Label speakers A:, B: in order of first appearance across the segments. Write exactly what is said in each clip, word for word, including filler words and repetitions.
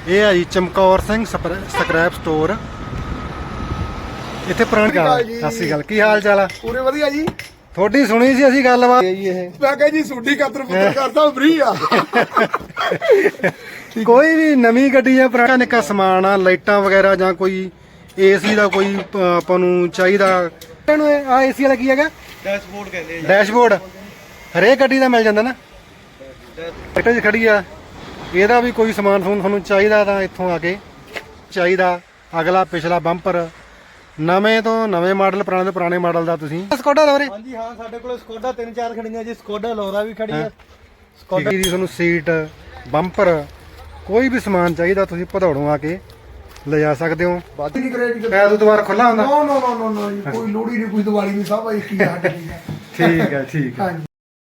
A: ਇਹ ਆ ਜੀ ਚਮਕੌਰ ਸਿੰਘ ਸਕ੍ਰੈਪ ਸਟੋਰ। ਇੱਥੇ ਪੁਰਾਣੀ ਗੱਲ। ਸਤਿ ਸ਼੍ਰੀ ਅਕਾਲ, ਕੀ ਹਾਲ ਚਾਲ ਆ?
B: ਪੂਰੇ ਵਧੀਆ ਜੀ।
A: ਤੁਹਾਡੀ ਸੁਣੀ ਸੀ ਅਸੀਂ ਗੱਲਬਾਤ ਜੀ। ਇਹ
B: ਮੈਂ ਕਿਹਾ ਜੀ ਸੂਡੀ ਕਤਰ ਪੁੱਤਰ ਕਰਦਾ ਫ੍ਰੀ ਆ।
A: ਕੋਈ ਵੀ ਨਵੀਂ ਗੱਡੀ ਜਾਂ ਪੁਰਾਣਾ ਨਿੱਕਾ ਸਮਾਨ ਆ, ਲਾਈਟਾਂ ਵਗੈਰਾ ਜਾਂ ਕੋਈ ਏਸੀ ਦਾ ਕੋਈ ਆਪਾਂ ਨੂੰ ਚਾਹੀਦਾ। ਇਹਨੂੰ ਆ ਏਸੀ ਵਾਲਾ ਕੀ ਹੈਗਾ?
C: ਡੈਸ਼ਬੋਰਡ ਕਹਿੰਦੇ ਆ।
A: ਡੈਸ਼ਬੋਰਡ ਹਰੇਕ ਗੱਡੀ ਦਾ ਮਿਲ ਜਾਂਦਾ ਨਾ। ਟਰੈਕਟਰ 'ਚ ਖੜੀ ਆ, ਇਹਦਾ ਵੀ ਕੋਈ ਸਮਾਨ ਸਮੂਨ ਤੁਹਾਨੂੰ ਚਾਹੀਦਾ ਤਾਂ ਇੱਥੋਂ ਆ ਕੇ ਚਾਹੀਦਾ। ਅਗਲਾ ਪਿਛਲਾ ਬੰਪਰ ਨਵੇਂ ਤੋਂ ਨਵੇਂ ਮਾਡਲ, ਪੁਰਾਣੇ ਤੋਂ ਪੁਰਾਣੇ ਮਾਡਲ ਦਾ ਤੁਸੀਂ ਸਕੋਡਾ ਦਾ ਵੀਰੇ?
C: ਹਾਂਜੀ ਹਾਂ, ਸਾਡੇ ਕੋਲ ਸਕੋਡਾ ਤਿੰਨ ਚਾਰ ਖੜੀਆਂ ਜੀ। ਸਕੋਡਾ ਲੋਰਾ ਵੀ ਖੜੀ ਹੈ।
A: ਸਕੋਡਾ ਦੀ ਤੁਹਾਨੂੰ ਸੀਟ, ਬੰਪਰ, ਕੋਈ ਵੀ ਸਮਾਨ ਚਾਹੀਦਾ ਤੁਸੀਂ ਭਦੌੜੋਂ ਆ ਕੇ ਲਿਜਾ ਸਕਦੇ ਹੋ।
B: ਬਾਤ ਨਹੀਂ ਕਰੇ ਜੀ।
A: ਐ ਦੁਬਾਰਾ ਖੁੱਲਾ ਹੁੰਦਾ?
B: ਨੋ ਨੋ ਨੋ ਨੋ ਜੀ, ਕੋਈ ਲੋੜੀ ਨਹੀਂ, ਕੋਈ ਦੀਵਾਲੀ ਨਹੀਂ, ਸਭ ਇੱਕ ਹੀ ਆ ਸਾਡੀ।
A: ਠੀਕ ਹੈ ਠੀਕ ਹੈ।
B: ਹਾਂਜੀ,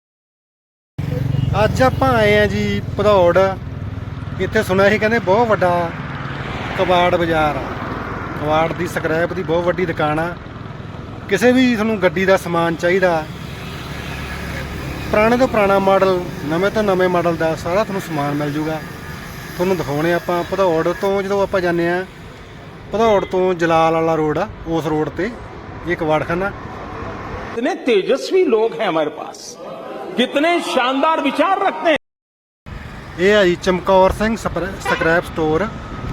A: ਅੱਜ ਆਪਾਂ ਆਏ ਆ ਜੀ ਭਦੌੜ। ਇੱਥੇ ਸੁਣਿਆ ਸੀ ਕਹਿੰਦੇ ਬਹੁਤ ਵੱਡਾ ਕਬਾੜ ਬਾਜ਼ਾਰ ਆ। ਕਬਾੜ ਦੀ ਸਕ੍ਰੈਪ ਦੀ ਬਹੁਤ ਵੱਡੀ ਦੁਕਾਨ ਆ। ਕਿਸੇ ਵੀ ਤੁਹਾਨੂੰ ਗੱਡੀ ਦਾ ਸਮਾਨ ਚਾਹੀਦਾ, ਪੁਰਾਣੇ ਤੋਂ ਪੁਰਾਣਾ ਮਾਡਲ, ਨਵੇਂ ਤੋਂ ਨਵੇਂ ਮਾਡਲ ਦਾ ਸਾਰਾ ਤੁਹਾਨੂੰ ਸਮਾਨ ਮਿਲ ਜੂਗਾ। ਤੁਹਾਨੂੰ ਦਿਖਾਉਣੇ ਆਪਾਂ ਭਦੌੜ ਤੋਂ। ਜਦੋਂ ਆਪਾਂ ਜਾਂਦੇ ਆ ਭਦੌੜ ਤੋਂ ਜਲਾਲ ਵਾਲਾ ਰੋਡ ਆ, ਉਸ ਰੋਡ ਤੇ ਇਹ ਕਬਾੜਖਾਨਾ।
D: कितने तेजस्वी लोग हैं हमारे पास, कितने शानदार विचार रखते हैं।
A: ਇਹ ਆ ਜੀ ਚਮਕੌਰ ਸਿੰਘ ਸਕ੍ਰੈਪ ਸਟੋਰ।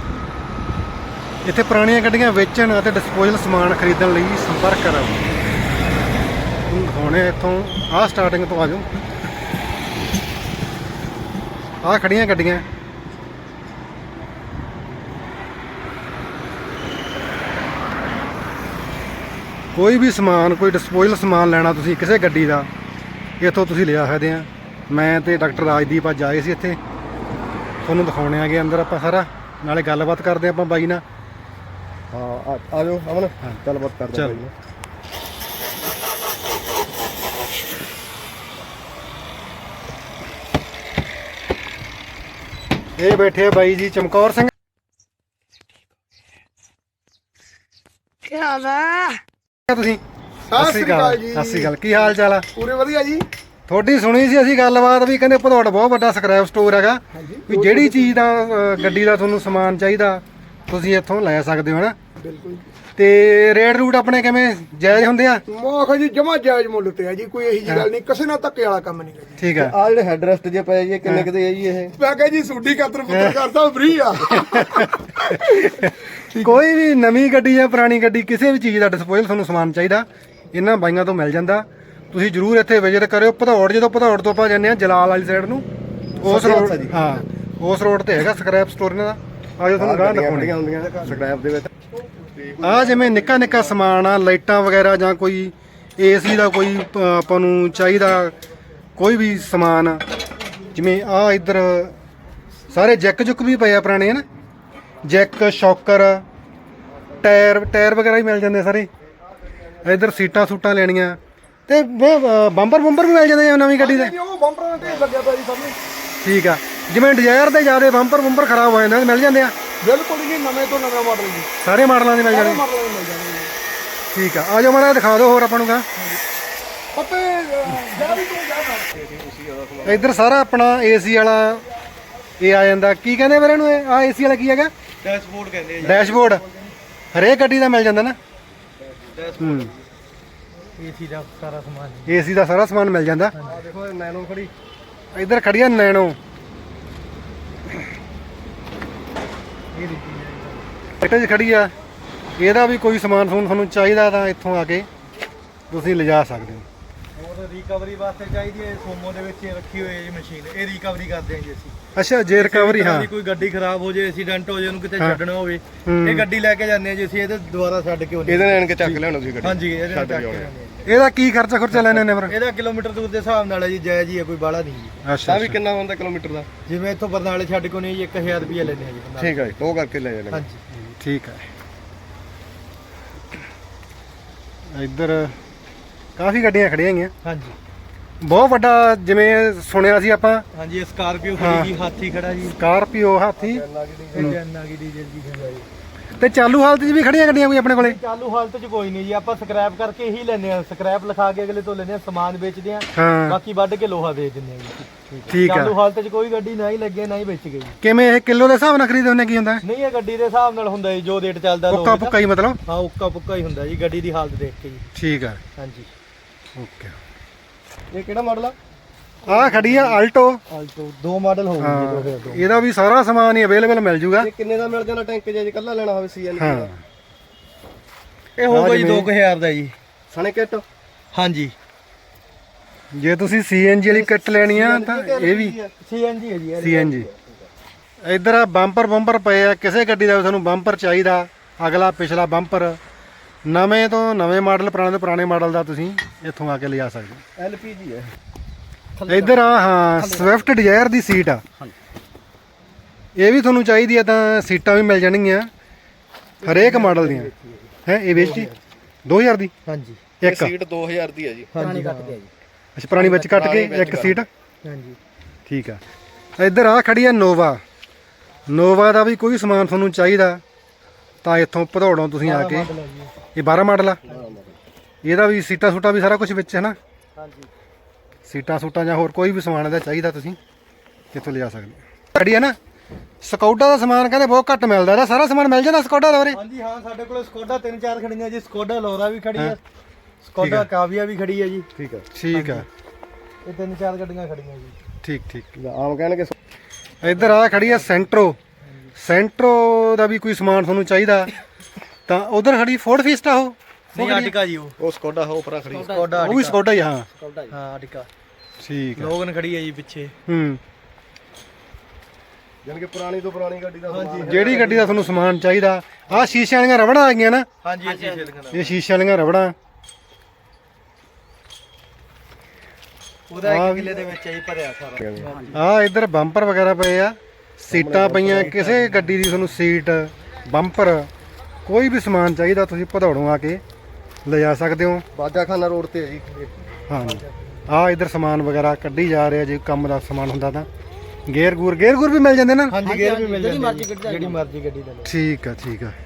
A: ਇੱਥੇ ਪੁਰਾਣੀਆਂ ਗੱਡੀਆਂ ਵੇਚਣ ਅਤੇ ਡਿਸਪੋਜ਼ਲ ਸਮਾਨ ਖਰੀਦਣ ਲਈ ਸੰਪਰਕ ਕਰੋ। ਹੁਣ ਦਿਖਾਉਣੇ ਇੱਥੋਂ ਆਹ ਸਟਾਰਟਿੰਗ ਤੋਂ ਆ ਜਾਓ। ਆਹ ਖੜੀਆਂ ਗੱਡੀਆਂ। ਕੋਈ ਵੀ ਸਮਾਨ, ਕੋਈ ਡਿਸਪੋਜ਼ਲ ਸਮਾਨ ਲੈਣਾ ਤੁਸੀਂ ਕਿਸੇ ਗੱਡੀ ਦਾ, ਇੱਥੋਂ ਤੁਸੀਂ ਲਿਆ ਸਕਦੇ ਆ। ਮੈਂ ਤੇ ਡਾਕਟਰ ਰਾਜਦੀਪ ਅੱਜ ਆਏ ਸੀ ਇੱਥੇ, ਤੁਹਾਨੂੰ ਦਿਖਾਉਣੇ ਆਗੇ ਅੰਦਰ ਆਪਾਂ ਸਾਰਾ, ਨਾਲੇ ਗੱਲਬਾਤ ਕਰਦੇ ਆਪਾਂ ਬਾਈ ਨਾਲ।
C: ਹਾਂ ਆ ਜਾਓ ਅਮਨ, ਗੱਲਬਾਤ ਕਰਦੇ
A: ਚੱਲ। ਇਹ ਬੈਠੇ ਆ ਬਾਈ ਜੀ ਚਮਕੌਰ ਸਿੰਘ।
B: ਕੀ ਹਾਲ ਆ?
A: ਤੁਸੀਂ?
B: ਸਤਿ ਸ਼੍ਰੀ ਅਕਾਲ ਜੀ।
A: ਸਤਿ ਸ਼੍ਰੀ ਅਕਾਲ, ਕੀ ਹਾਲ ਚਾਲ ਆ?
B: ਪੂਰੇ ਵਧੀਆ ਜੀ।
A: ਤੁਹਾਡੀ ਸੁਣੀ ਸੀ ਅਸੀਂ ਗੱਲਬਾਤ ਵੀ ਕਹਿੰਦੇ ਭਦੌੜ ਬਹੁਤ ਵੱਡਾ ਸਕ੍ਰੈਪ ਸਟੋਰ ਹੈਗਾ। ਵੀ ਜਿਹੜੀ ਚੀਜ਼ ਦਾ ਅ, ਗੱਡੀ ਦਾ ਤੁਹਾਨੂੰ ਸਮਾਨ ਚਾਹੀਦਾ ਤੁਸੀਂ ਇੱਥੋਂ ਲੈ ਸਕਦੇ ਹੋ ਨਾ।
B: ਬਿਲਕੁਲ।
A: ਤੇ ਰੇਟ ਰੂਟ ਆਪਣੇ ਕਿਵੇਂ ਜਾਇਜ਼ ਹੁੰਦੇ ਆ?
B: ਮੋਖ ਜੀ ਜਮਾ ਜਾਇਜ਼ ਮੁੱਲ ਤੇ ਆ ਜੀ, ਕੋਈ ਇਹੀ ਜੀ ਗੱਲ ਨਹੀਂ, ਕਿਸੇ ਨਾਲ ਧੱਕੇ ਵਾਲਾ ਕੰਮ ਨਹੀਂ ਜੀ।
A: ਠੀਕ ਆ।
C: ਆ ਜਿਹੜੇ ਹੈਡ ਰੈਸਟ ਜੇ ਪਏ ਜੀ, ਕਿੰਨੇ ਕਿਤੇ ਆ ਜੀ ਇਹ?
B: ਮੈਂ ਕਿਹਾ ਜੀ ਸੂਡੀ ਕਤਰ ਪੁੱਤਰ ਕਰਦਾ ਫ੍ਰੀ ਆ।
A: ਕੋਈ ਵੀ ਨਵੀਂ ਗੱਡੀ ਜਾਂ ਪੁਰਾਣੀ ਗੱਡੀ, ਕਿਸੇ ਵੀ ਚੀਜ਼ ਦਾ ਡਿਸਪੋਜ਼ਲ ਤੁਹਾਨੂੰ ਸਮਾਨ ਚਾਹੀਦਾ ਇਹਨਾਂ ਬਾਈਆਂ ਤੋਂ ਮਿਲ ਜਾਂਦਾ। ਤੁਸੀਂ ਜਰੂਰ ਇੱਥੇ ਵਿਜ਼ਿਟ ਕਰਿਓ। ਭਦੌੜ, ਜਦੋਂ ਭਦੌੜ ਤੋਂ ਆਪਾਂ ਜਾਂਦੇ ਆ ਜਲਾਲ ਵਾਲੀ ਸਾਈਡ ਨੂੰ, ਉਸ ਰੋਡ, ਹਾਂ ਉਸ ਰੋਡ ਤੇ ਹੈਗਾ ਸਕ੍ਰੈਪ ਸਟੋਰ ਇਹਨਾਂ ਦਾ। ਆਜੋ ਤੁਹਾਨੂੰ ਗਾਹ ਦਿਖਾਉਣੀਆਂ
C: ਹੁੰਦੀਆਂ ਸਕ੍ਰੈਪ ਦੇ ਵਿੱਚ।
A: ਆ ਜਿਵੇਂ ਨਿੱਕਾ ਨਿੱਕਾ ਸਮਾਨ ਆ, ਲਾਈਟਾਂ ਵਗੈਰਾ ਜਾਂ ਕੋਈ ਏਸੀ ਦਾ ਕੋਈ ਆਪਾਂ ਨੂੰ ਚਾਹੀਦਾ, ਕੋਈ ਵੀ ਸਮਾਨ, ਜਿਵੇਂ ਆ ਇੱਧਰ ਸਾਰੇ ਜੈਕ ਜੁੱਕ ਵੀ ਪਏ ਆ ਪੁਰਾਣੇ ਹਨ। ਜੈਕ, ਸ਼ੌਕਰ, ਟਾਇਰ ਟਾਇਰ ਵਗੈਰਾ ਵੀ ਮਿਲ ਜਾਂਦੇ ਸਾਰੇ। ਇੱਧਰ ਸੀਟਾਂ ਸੂਟਾਂ ਲੈਣੀਆਂ ਤੇ ਬੰਪਰ ਬੰਪਰ ਵੀ ਮਿਲ ਜਾਂਦੇ ਆ ਨਵੀਂ ਗੱਡੀ ਦੇ।
B: ਉਹ ਬੰਪਰਾਂ ਤੇ ਲੱਗਿਆ ਪਿਆ ਜੀ ਸਭ ਨੂੰ।
A: ਠੀਕ ਆ। ਜਿਵੇਂ ਡਿਜ਼ਾਇਰ ਦੇ ਜ਼ਿਆਦਾ ਬੰਪਰ ਬੰਪਰ ਖਰਾਬ ਹੋ ਜਾਂਦੇ ਮਿਲ ਜਾਂਦੇ ਆ?
B: ਬਿਲਕੁਲ ਜੀ, ਨਵੇਂ ਤੋਂ ਨਵੇਂ ਮਾਡਲ ਜੀ,
A: ਸਾਰੇ ਮਾਡਲਾਂ ਦੇ ਮਿਲ
B: ਸਾਰੇ
A: ਜਾਂਦੇ।
B: ਮਾਡਲਾਂ ਦੇ ਮਿਲ ਜਾਣਗੇ।
A: ਠੀਕ ਆ, ਆ ਜਾਓ ਮਾੜਾ ਦਿਖਾ ਦਿਓ ਹੋਰ ਆਪਾਂ ਨੂੰ। ਗਾ
B: ਪੱਪੇ ਜਾ ਵੀ ਤੂੰ ਜਾ।
A: ਇੱਧਰ ਸਾਰਾ ਆਪਣਾ ਏਸੀ ਵਾਲਾ ਇਹ ਆ ਜਾਂਦਾ। ਕੀ ਕਹਿੰਦੇ ਵੀਰੇ ਇਹਨੂੰ? ਇਹ ਆ ਏਸੀ ਵਾਲਾ ਕੀ ਹੈਗਾ?
C: ਡੈਸ਼ਬੋਰਡ ਕਹਿੰਦੇ ਆ ਜੀ।
A: ਡੈਸ਼ਬੋਰਡ ਹਰੇਕ ਗੱਡੀ ਦਾ ਮਿਲ ਜਾਂਦਾ ਨਾ। ਹੂੰ,
C: ਏਸੀ ਦਾ ਸਾਰਾ ਸਮਾਨ।
A: ਏਸੀ ਦਾ ਸਾਰਾ ਸਮਾਨ ਮਿਲ ਜਾਂਦਾ।
C: ਆ ਦੇਖੋ ਨੈਨੋ ਖੜੀ।
A: ਇੱਧਰ ਖੜੀ ਆ ਨੈਣੋ। ਟਰੈਕਟਰ 'ਚ ਖੜੀ ਆ, ਇਹਦਾ ਵੀ ਕੋਈ ਸਮਾਨ ਸਮੂਨ ਤੁਹਾਨੂੰ ਚਾਹੀਦਾ ਤਾਂ ਇੱਥੋਂ ਆ ਕੇ ਤੁਸੀਂ ਲਿਜਾ ਸਕਦੇ ਹੋ।
C: ਹੋਰ ਰਿਕਵਰੀ ਵਾਸਤੇ ਚਾਹੀਦੀ ਹੈ, ਸੋਮੋ ਦੇ ਵਿੱਚ ਰੱਖੀ ਹੋਈ ਹੈ ਜੀ ਮਸ਼ੀਨ, ਇਹ ਰਿਕਵਰੀ ਕਰਦੇ ਹਾਂ ਜੀ ਅਸੀਂ।
A: ਅੱਛਾ, ਜੇ ਰਿਕਵਰੀ, ਹਾਂ।
C: ਕੋਈ ਗੱਡੀ ਖਰਾਬ ਹੋ ਜਾਏ, ਐਕਸੀਡੈਂਟ ਹੋ ਜਾਏ, ਉਹਨੂੰ ਕਿਤੇ ਛੱਡਣਾ ਹੋਵੇ, ਇਹ ਗੱਡੀ ਲੈ ਕੇ ਜਾਂਦੇ ਹਾਂ ਜੀ ਅਸੀਂ। ਇਹਦੇ ਦੁਬਾਰਾ ਛੱਡ ਕੇ ਉਹਨੇ
E: ਇਹਦੇ ਨਾਲ ਕੇ ਚੱਕ ਲੈਣਾ ਤੁਸੀਂ ਗੱਡੀ।
C: ਹਾਂਜੀ, ਇਹਦੇ ਨਾਲ ਚੱਕ ਕੇ ਜਾਂਦੇ ਹਾਂ।
A: ਇਹਦਾ ਕੀ ਖਰਚਾ ਖੁਰਚਾ ਲੈਣੇ ਨੇ ਫਿਰ?
C: ਇਹਦਾ ਕਿਲੋਮੀਟਰ ਦੂਰ ਦੇ ਹਿਸਾਬ ਨਾਲ ਹੈ ਜੀ, ਜਾਇਜ਼ ਹੀ ਹੈ, ਕੋਈ ਬਾਹਲਾ ਨਹੀਂ ਜੀ।
A: ਅੱਛਾ,
E: ਤਾਂ ਵੀ ਕਿੰਨਾ ਹੁੰਦਾ ਕਿਲੋਮੀਟਰ ਦਾ?
C: ਜਿਵੇਂ ਇੱਥੋਂ ਬਰਨਾਲੇ ਛੱਡ ਕੇ ਨਹੀਂ ਜੀ, ਇੱਕ ਹਜ਼ਾਰ ਰੁਪਇਆ ਲੈਂਦੇ ਆ ਜੀ ਬਰਨਾਲੇ।
E: ਠੀਕ ਹੈ ਜੀ, ਉਹ ਕਰਕੇ ਲੈ ਜਾਣਾ।
C: ਹਾਂਜੀ
A: ਠੀਕ ਹੈ। ਇੱਧਰ ਕਾਫੀ ਗੱਡੀਆਂ ਖੜੀਆਂ ਹੈਗੀਆਂ।
C: ਹਾਂਜੀ
A: ਬਹੁਤ ਵੱਡਾ, ਜਿਵੇਂ ਸੁਣਿਆ ਸੀ ਆਪਾਂ।
C: ਹਾਂਜੀ, ਸਕਾਰਪੀਓ ਖੜੀ ਜੀ, ਹਾਥੀ ਖੜਾ ਜੀ,
A: ਸਕਾਰਪੀਓ, ਹਾਥੀ।
C: ਜੈਨ ਆ ਗਈ, ਡੀਜ਼ਲ ਜੀ ਖੜਾ ਜੀ।
A: ਤੇ ਚਾਲੂ ਹਾਲਤ 'ਚ ਵੀ ਖੜੀਆਂ ਗੱਡੀਆਂ ਕੋਈ ਆਪਣੇ ਕੋਲੇ?
C: ਚਾਲੂ ਹਾਲਤ 'ਚ ਕੋਈ ਨਹੀਂ ਜੀ, ਆਪਾਂ ਸਕ੍ਰੈਪ ਕਰਕੇ ਹੀ ਲੈਨੇ ਆ, ਸਕ੍ਰੈਪ ਲਿਖਾ ਕੇ ਅਗਲੇ ਤੋਂ ਲੈਨੇ ਆ, ਸਮਾਨ ਵੇਚਦੇ ਆ,
A: ਹਾਂ
C: ਬਾਕੀ ਵੱਢ ਕੇ ਲੋਹਾ ਵੇਚ ਦਿੰਦੇ ਆ ਜੀ।
A: ਠੀਕ ਆ।
C: ਚਾਲੂ ਹਾਲਤ 'ਚ ਕੋਈ ਗੱਡੀ ਨਾ ਹੀ ਲੱਗੇ ਨਾ ਹੀ ਵੇਚ ਗਈ।
A: ਕਿਵੇਂ ਇਹ ਕਿਲੋ ਦੇ ਹਿਸਾਬ ਨਾਲ ਖਰੀਦੇ ਹੁੰਦੇ ਕੀ ਹੁੰਦਾ?
C: ਨਹੀਂ ਇਹ ਗੱਡੀ ਦੇ ਹਿਸਾਬ ਨਾਲ ਹੁੰਦਾ ਜੀ, ਜੋ ਰੇਟ ਚੱਲਦਾ
A: ਉੱਕਾ ਪੁੱਕਾ ਹੀ ਮਤਲਬ?
C: ਹਾਂ ਉੱਕਾ ਪੁੱਕਾ ਹੀ ਹੁੰਦਾ ਜੀ, ਗੱਡੀ ਦੀ ਹਾਲਤ ਦੇਖ ਕੇ ਜੀ।
A: ਠੀਕ ਆ,
C: ਹਾਂਜੀ।
A: ਓਕੇ।
E: ਇਹ ਕਿਹੜਾ ਮਾਡਲ ਆ?
A: ਆਹ ਖੜੀ ਆ ਆਲਟੋ।
C: ਆਲਟੋ ਦੋ ਮਾਡਲ ਹੋਊਗੀ ਜੀ, ਦੋ ਹਜ਼ਾਰ ਦੋ।
A: ਇਹਦਾ ਵੀ ਸਾਰਾ ਸਮਾਨ ਹੀ ਅਵੇਲੇਬਲ ਮਿਲ ਜੂਗਾ।
E: ਇਹ ਕਿੰਨੇ ਦਾ ਮਿਲ ਜਾਂਦਾ ਟੈਂਕ ਜੇ ਇਕੱਲਾ ਲੈਣਾ ਹੋਵੇ ਸੀਐਨ
A: ਹਾਂ
C: ਇਹ ਹੋਊਗਾ ਜੀ
A: ਜਿਵੇਂ-
C: ਦੋ ਹਜ਼ਾਰ ਦਾ ਜੀ।
E: ਸਣੇ ਕਿੱਟ
C: ਹਾਂਜੀ
A: ਜੇ ਤੁਸੀਂ ਸੀਐਨਜੀ ਵਾਲੀ ਕਿੱਟ ਲੈਣੀ ਆ ਤਾਂ ਇਹ ਵੀ
C: ਸੀਐਨਜੀ ਹੈ ਜੀ ਇਹ।
A: ਸੀਐਨਜੀ। ਇੱਧਰ ਆ ਬੰਪਰ ਬੰਪਰ ਪਏ ਆ, ਕਿਸੇ ਗੱਡੀ ਦਾ ਵੀ ਤੁਹਾਨੂੰ ਬੰਪਰ ਚਾਹੀਦਾ, ਅਗਲਾ ਪਿਛਲਾ ਬੰਪਰ, ਨਵੇਂ ਤੋਂ ਨਵੇਂ ਮਾਡਲ, ਪੁਰਾਣੇ ਤੋਂ ਪੁਰਾਣੇ ਮਾਡਲ ਦਾ ਤੁਸੀਂ ਇੱਥੋਂ ਆ ਕੇ ਲਿਜਾ ਸਕਦੇ ਹੋ।
E: ਐਲਪੀਜੀ ਹੈ।
A: ਇੱਧਰ ਆ ਹਾਂ ਸਵਿਫਟ ਡਿਜ਼ਾਇਰ ਦੀ ਸੀਟ ਆ, ਇਹ ਵੀ ਤੁਹਾਨੂੰ ਚਾਹੀਦੀ ਆ ਤਾਂ ਸੀਟਾਂ ਵੀ ਮਿਲ ਜਾਣਗੀਆਂ ਹਰੇਕ ਮਾਡਲ ਦੀਆਂ। ਹੈ ਇਹ ਵੇਚੀ ਦੋ ਹਜ਼ਾਰ ਦੀ
C: ਹਾਂਜੀ
A: ਇੱਕ?
E: ਸੀਟ ਦੋ ਹਜ਼ਾਰ ਦੀ ਹੈ ਜੀ।
C: ਹਾਂਜੀ
A: ਅੱਛਾ ਪੁਰਾਣੀ ਵਿੱਚ ਕੱਟ ਕੇ ਇੱਕ ਸੀਟ।
C: ਹਾਂਜੀ
A: ਠੀਕ ਆ। ਇੱਧਰ ਆ ਖੜੀ ਆ ਨੋਵਾ। ਨੋਵਾ ਦਾ ਵੀ ਕੋਈ ਸਮਾਨ ਤੁਹਾਨੂੰ ਚਾਹੀਦਾ ਤਾਂ ਇੱਥੋਂ ਭਦੌੜੋਂ ਤੁਸੀਂ ਆ ਕੇ, ਇਹ ਬਾਰਾਂ ਮਾਡਲ ਆ, ਇਹਦਾ ਵੀ ਸੀਟਾਂ ਸੂਟਾਂ ਵੀ ਸਾਰਾ ਕੁਝ ਵਿੱਚ ਹੈ ਨਾ?
C: ਹਾਂਜੀ
A: ਸੀਟਾਂ ਸੂਟਾਂ ਜਾਂ ਹੋਰ ਕੋਈ ਵੀ ਸਮਾਨ ਇਹਦਾ ਚਾਹੀਦਾ ਤੁਸੀਂ ਇੱਥੋਂ ਲਿਜਾ ਸਕਦੇ ਹੋ। ਖੜੀ ਆ ਨਾ ਸਕੌਡਾ ਦਾ ਸਮਾਨ ਕਹਿੰਦੇ ਬਹੁਤ ਘੱਟ ਮਿਲਦਾ, ਇਹਦਾ ਸਾਰਾ ਸਮਾਨ ਮਿਲ ਜਾਂਦਾ ਸਕੌਡਾ ਦਾ ਵੀਰੇ?
C: ਹਾਂਜੀ ਹਾਂ ਸਾਡੇ ਕੋਲ ਸਕੋਡਾ ਤਿੰਨ ਚਾਰ ਖੜੀਆਂ ਜੀ, ਸਕੋਡਾ ਲੋਰਾ ਵੀ ਖੜੀ ਹੈ, ਸਕੋਡਾ ਕਾਵੀਆ ਵੀ ਖੜੀ ਹੈ ਜੀ।
E: ਠੀਕ ਹੈ।
A: ਠੀਕ ਆ,
C: ਇਹ ਤਿੰਨ ਚਾਰ ਗੱਡੀਆਂ ਖੜੀਆਂ ਜੀ।
A: ਠੀਕ ਠੀਕ।
E: ਆਮ ਕਹਿਣਗੇ
A: ਇੱਧਰ ਆ ਖੜੀ ਆ ਸੈਂਟਰੋ। ਸੈਂਟਰੋ ਦਾ ਵੀ ਕੋਈ ਸਮਾਨ ਤੁਹਾਨੂੰ ਚਾਹੀਦਾ ਤਾਂ ਉਧਰ ਖੜੀ ਫੋਰਡ ਫੀਸਟਾ। ਉਹ
C: ਨਹੀਂ ਆਟਿਕਾ ਜੀ, ਉਹ
E: ਉਹ ਸਕੋਡਾ ਹੋ ਪਰਾਂ ਖੜੀ।
C: ਸਕੋਡਾ
A: ਉਹ ਵੀ ਸਕੌਡਾ ਹੀ? ਹਾਂ
C: ਹਾਂ ਆਟਿਕਾ।
A: ਠੀਕ ਆ।
C: ਲੋਗਨ ਖੜੀ ਹੈ ਜੀ ਪਿੱਛੇ।
A: ਹੂੰ
E: ਯਾਨੀ ਕਿ ਪੁਰਾਣੀ ਤੋਂ ਪੁਰਾਣੀ ਗੱਡੀ ਦਾ ਸਮਾਨ ਹੈ।
A: ਜਿਹੜੀ ਗੱਡੀ ਦਾ ਤੁਹਾਨੂੰ ਸਮਾਨ ਚਾਹੀਦਾ। ਆਹ ਸ਼ੀਸ਼ੇ ਵਾਲੀਆਂ ਰਬੜਾਂ ਆ ਗਈਆਂ ਨਾ?
C: ਹਾਂਜੀ ਇਹ ਸ਼ੀਸ਼ੇ ਲਗਾਣਾ,
A: ਇਹ ਸ਼ੀਸ਼ੇ ਵਾਲੀਆਂ ਰਬੜਾਂ।
C: ਉਹਦਾ ਇੱਕ ਕਿੱਲੇ ਦੇ ਵਿੱਚ ਹੀ ਭਰਿਆ ਸਾਰਾ।
A: ਆ ਇੱਧਰ ਬੰਪਰ ਵਗੈਰਾ ਪਏ ਆ, ਸੀਟਾਂ ਪਈਆਂ, ਕਿਸੇ ਗੱਡੀ ਦੀ ਤੁਹਾਨੂੰ ਸੀਟ ਬੰਪਰ ਕੋਈ ਵੀ ਸਮਾਨ ਚਾਹੀਦਾ ਤੁਸੀਂ ਭਦੌੜੋਂ ਆ ਕੇ ਲਿਜਾ ਸਕਦੇ ਹੋ।
E: ਬਾਜਾਖਾਨਾ ਰੋਡ ਤੇ ਹੈ ਜੀ।
A: ਹਾਂ ਆ ਇੱਧਰ ਸਮਾਨ ਵਗੈਰਾ ਕੱਢੀ ਜਾ ਰਿਹਾ, ਜੇ ਕੰਮ ਦਾ ਸਮਾਨ ਹੁੰਦਾ ਤਾਂ ਗੇਅਰ ਗੂਰ ਗੇਅਰ ਗੂਰ ਵੀ ਮਿਲ ਜਾਂਦੇ ਨਾ?
C: ਹਾਂਜੀ ਗੇਅਰ ਵੀ ਮਿਲ ਜਾਂਦੇ ਜਿਹੜੀ ਮਰਜ਼ੀ ਗੱਡੀ ਦਾ ਲਓ।
A: ਠੀਕ ਆ ਠੀਕ ਆ।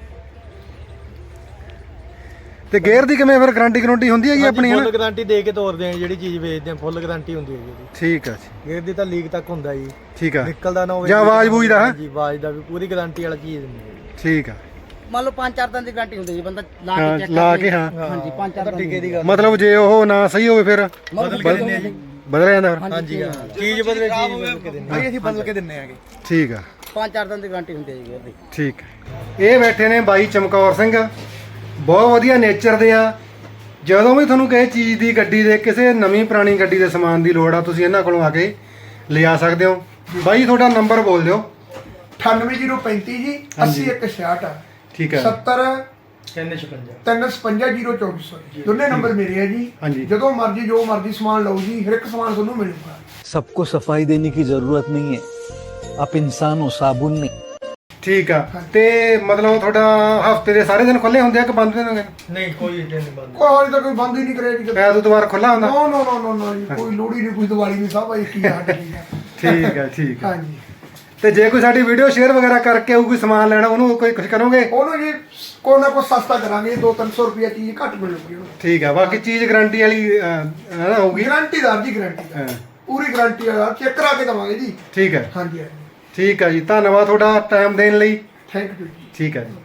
A: ਤੇ ਗੇਅਰ ਦੀ ਕਿਵੇਂ ਫਿਰ ਗਾਰੰਟੀ ਗਾਰੰਟੀ ਹੁੰਦੀ ਹੈਗੀ ਆਪਣੀ?
C: ਫੁੱਲ ਗਾਰੰਟੀ ਦੇ ਕੇ ਤੋਰਦੇ ਆ, ਜਿਹੜੀ ਚੀਜ਼ ਵੇਚਦੇ ਆ ਫੁੱਲ ਗਾਰੰਟੀ ਹੁੰਦੀ ਹੈ ਜੀ ਇਹਦੀ।
A: ਠੀਕ ਆ ਜੀ,
C: ਗੇਅਰ ਦੀ ਤਾਂ ਲੀਕ ਤੱਕ ਹੁੰਦਾ ਜੀ,
A: ਠੀਕ ਆ।
C: ਨਿਕਲਦਾ ਨਾ ਹੋਵੇ
A: ਜਾਂ ਆਵਾਜ਼ ਬੂਝ ਦਾ?
C: ਹਾਂਜੀ ਆਵਾਜ਼ ਦਾ ਵੀ ਪੂਰੀ ਗਾਰੰਟੀ ਵਾਲਾ ਚੀਜ਼ ਦਿੰਦੇ ਆ ਜੀ।
A: ਠੀਕ ਆ।
F: ਮੰਨ ਲਓ ਪੰਜ ਚਾਰ ਦਿਨ ਦੀ ਗਾਰੰਟੀ ਹੁੰਦੀ ਜੀ, ਬੰਦਾ ਲਾ
A: ਹਾਂ,
F: ਕੇ ਚੈੱਕ
A: ਲਾ ਕੇ ਹਾਂ
F: ਹਾਂਜੀ ਪੰਜ ਚਾਰ ਦਿਨ
C: ਟਿੱਕੇ ਦੀ ਗੱਲ
A: ਮਤਲਬ ਜੇ ਉਹ ਨਾ ਸਹੀ ਹੋਵੇ ਫਿਰ
C: ਬਦਲ ਕੇ ਦਿੰਦੇ ਆ ਜੀ।
A: ਬਦਲ ਜਾਂਦਾ ਫਿਰ?
C: ਹਾਂਜੀ ਹਾਂ ਚੀਜ਼ ਬਦਲੇ ਚੀਜ਼ ਬਦਲ ਕੇ ਦਿੰਦੇ ਆ।
B: ਅਸੀਂ ਬਦਲ ਕੇ ਦਿੰਨੇ ਆਗੇ।
A: ਠੀਕ ਆ
F: ਪੰਜ ਚਾਰ ਦਿਨ ਦੀ ਗਾਰੰਟੀ ਹੁੰਦੀ ਹੈ ਜੀ ਗੇਅਰ ਦੀ।
A: ਠੀਕ ਹੈ। ਇਹ ਬੈਠੇ ਨੇ ਬਾਈ ਚਮਕੌਰ ਸਿੰਘ, ਬਹੁਤ ਵਧੀਆ ਨੇਚਰ ਦੇ ਆ। ਜਦੋਂ ਵੀ ਤੁਹਾਨੂੰ ਕਿਸੇ ਚੀਜ਼ ਦੀ, ਗੱਡੀ ਦੇ, ਕਿਸੇ ਨਵੀਂ ਪੁਰਾਣੀ ਗੱਡੀ ਦੇ ਸਮਾਨ ਦੀ ਲੋੜ ਆ, ਤੁਸੀਂ ਇਹਨਾਂ ਕੋਲੋਂ ਆ ਕੇ ਲਿਆ ਸਕਦੇ ਹੋ। ਬਾਈ ਤੁਹਾਡਾ ਨੰਬਰ ਬੋਲ ਦਿਓ।
B: ਅਠਾਨਵੇਂ ਜ਼ੀਰੋ ਪੈਂਤੀ ਜੀ ਅੱਸੀ ਇੱਕ ਛਿਆਹਠ
A: ਠੀਕ ਹੈ।
B: ਸੱਤਰ
C: ਤਿੰਨ ਛਪੰਜਾ
B: ਤਿੰਨ ਛਪੰਜਾ ਜ਼ੀਰੋ ਚੌਵੀ ਸੌ ਦੋਨੇ ਨੰਬਰ ਮੇਰੇ ਆ ਜੀ।
A: ਹਾਂਜੀ।
B: ਜਦੋਂ ਮਰਜ਼ੀ ਜੋ ਮਰਜ਼ੀ ਸਮਾਨ ਲਓ ਜੀ, ਹਰ ਇੱਕ ਸਮਾਨ ਤੁਹਾਨੂੰ ਮਿਲੂਗਾ।
G: सबको सफाई देने की जरूरत नहीं है, आप इंसान हो, साबुन नहीं।
A: ਠੀਕ ਆ। ਤੇ ਮਤਲਬ ਤੁਹਾਡਾ ਹਫਤੇ ਦੇ ਸਾਰੇ ਦਿਨ ਖੁੱਲੇ ਹੁੰਦੇ ਆ ਕਿ ਬੰਦ ਹੁੰਦੇ ਨੇ?
C: ਨਹੀਂ ਕੋਈ ਦਿਨ ਨਹੀਂ ਬੰਦ।
B: ਕੋਈ ਹਾਲੇ ਤਾਂ ਕੋਈ ਬੰਦ ਹੀ ਨਹੀਂ ਕਰਿਆ ਜੀ।
A: ਐਤਵਾਰ ਖੁੱਲਾ ਹੁੰਦਾ?
B: ਨੋ ਨੋ ਨੋ ਨੋ ਨੋ ਜੀ, ਕੋਈ ਲੋੜ ਹੀ ਨਹੀਂ, ਕੋਈ ਦੀਵਾਲੀ ਨਹੀਂ, ਸਭ ਇੱਕ ਹੀ ਹਟ ਗਈ ਹੈ।
A: ਠੀਕ ਆ ਠੀਕ ਆ।
B: ਹਾਂਜੀ।
A: ਤੇ ਜੇ ਕੋਈ ਸਾਡੀ ਵੀਡੀਓ ਸ਼ੇਅਰ ਵਗੈਰਾ ਕਰਕੇ ਉਹ ਕੋਈ ਸਮਾਨ ਲੈਣਾ, ਉਹਨੂੰ ਕੋਈ ਕੁਝ ਕਰੋਗੇ?
B: ਉਹਨੂੰ ਜੀ ਕੋਈ ਨਾ ਕੋਈ ਸਸਤਾ ਕਰਾਂਗੇ, ਦੋ ਤਿੰਨ ਸੌ ਰੁਪਏ ਚੀਜ਼ ਘੱਟ ਮਿਲੂਗੀ ਉਹਨੂੰ।
A: ਠੀਕ ਆ। ਬਾਕੀ ਚੀਜ਼ ਗਾਰੰਟੀ ਵਾਲੀ ਅਹ, ਨਾ ਹੋਊਗੀ?
B: ਗਾਰੰਟੀਦਾਰ ਜੀ, ਗਾਰੰਟੀ
A: ਹਾਂ
B: ਪੂਰੀ ਗਾਰੰਟੀ ਆ, ਚੈੱਕ ਕਰਾ ਕੇ ਦਵਾਂਗੇ ਜੀ।
A: ਠੀਕ ਹੈ।
B: ਹਾਂਜੀ ਹਾਂਜੀ,
A: ਠੀਕ ਆ ਜੀ, ਧੰਨਵਾਦ ਤੁਹਾਡਾ ਟਾਈਮ ਦੇਣ ਲਈ।
B: ਥੈਂਕ ਯੂ ਜੀ।
A: ਠੀਕ ਹੈ ਜੀ।